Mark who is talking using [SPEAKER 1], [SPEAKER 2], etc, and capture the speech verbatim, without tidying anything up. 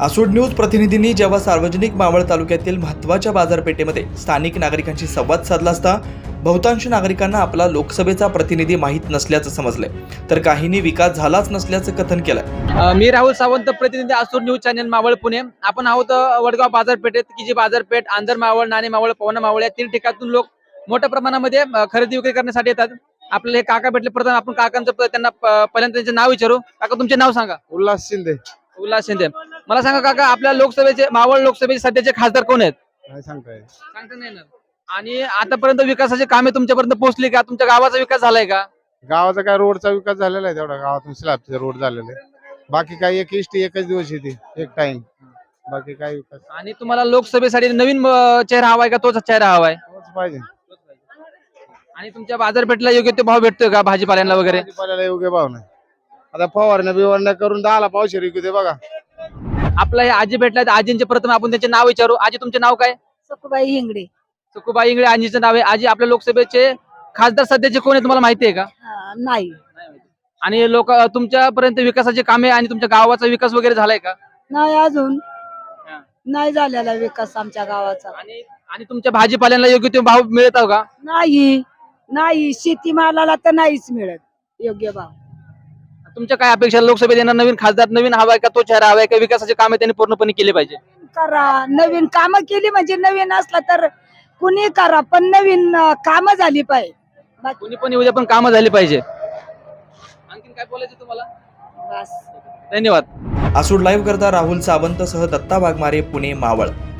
[SPEAKER 1] आसूड news प्रतिनिधींनी जेव्हा सार्वजनिक मावळ तालुक्यातील महत्त्वाच्या बाजारपेठेमध्ये स्थानिक नागरिकांशी संवाद साधला असता बहुतांश नागरिकांना आपला लोकसभेचा प्रतिनिधी माहीत नसल्याचं समजलंय, तर काहींनी विकास झालाच नसल्याचं कथन केलंय।
[SPEAKER 2] मी राहुल सावंत, प्रतिनिधी आसूड न्यूज चॅनल मावळ पुणे। आपण आहोत वडगाव बाजारपेठेत, की जी बाजारपेठ आंधर मावळ, नाणे मावळ, पवना मावळ या तीन ठिकाणातून लोक मोठ्या प्रमाणामध्ये खरेदी विक्री करण्यासाठी येतात। आपल्याला हे काका भेटले, प्रथम आपण काकांचं त्यांना पहिल्यांदा त्यांचे नाव विचारू। काका, तुमचे नाव सांगा।
[SPEAKER 3] उल्हास शिंदे।
[SPEAKER 2] उल्हास शिंदे। मला सांगा काका, आपल्या लोकसभेचे मावळ लोकसभेचे सध्याचे खासदार कोण आहेत?
[SPEAKER 3] काय सांगताय?
[SPEAKER 2] सांगता नाही येणार। आणि आतापर्यंत विकासाचे कामे तुमच्यापर्यंत पोहोचली का? तुमच्या गावाचा विकास झालाय का?
[SPEAKER 3] गावाचा काय रोडचा विकास झालेला आहे, तेवढा गावातून स्लॅबचे रोड झालेले। बाकी काय एक इष्टी एकच दिवस येते, एक टाइम, बाकी काय विकास
[SPEAKER 2] आणि तुम्हाला लोकसभेसाठी नवीन अं, चेहरा हवाय का तोच चेहरा हवाय?
[SPEAKER 3] तोच पाहिजे।
[SPEAKER 2] आणि तुमच्या बाजारपेठला योग्य ते भाव भेटतोय का भाजीपाल्यांना वगैरे?
[SPEAKER 3] भाजीपाल्याला योग्य भाव नाही। आता फवारण्या बिवारण्या करून दहाला पावशे विकू दे बघा।
[SPEAKER 2] आपला हे आजी भेटलाय, आजींचे प्रथम आपण त्यांचे नाव विचारू। आजी, तुमचे नाव काय?
[SPEAKER 4] सखुबाई हिंगडे।
[SPEAKER 2] सुकुबाई इंगळे आजीचं नाव आहे। आजी, आपल्या लोकसभेचे खासदार सध्याचे कोण आहे तुम्हाला माहिती आहे का?
[SPEAKER 4] हा, नाही
[SPEAKER 2] आणि लोक तुमच्यापर्यंत विकासाचे कामे आणि तुमच्या गावाचा विकास वगैरे झालाय का?
[SPEAKER 4] नाही अजून नाही झालेला विकास आमच्या गावाचा।
[SPEAKER 2] आणि आणि तुमच्या भाजीपाल्यांना योग्य ते भाव मिळत का?
[SPEAKER 4] नाही नाही शेतीमालाला तर नाहीच मिळत योग्य भाव।
[SPEAKER 2] तुमच्या काय अपेक्षा? लोकसभेत येणार नवीन खासदार नवीन हवाय का तो चेहरा हवाय का विकासाचे कामे त्यांनी पूर्णपणे केले पाहिजे?
[SPEAKER 4] करा, नवीन कामं केली म्हणजे नवीन असला तर कुणी करा, पण नवीन कामं झाली पाहिजे। बाकी
[SPEAKER 2] कोणी पण उद्या पण कामं झाली पाहिजे। आणखीन काय बोलायचं तुम्हाला?
[SPEAKER 4] बस।
[SPEAKER 2] धन्यवाद।
[SPEAKER 1] आसूड लाईव्ह करता राहुल सावंत सह दत्ता वाघमारे, पुणे मावळ।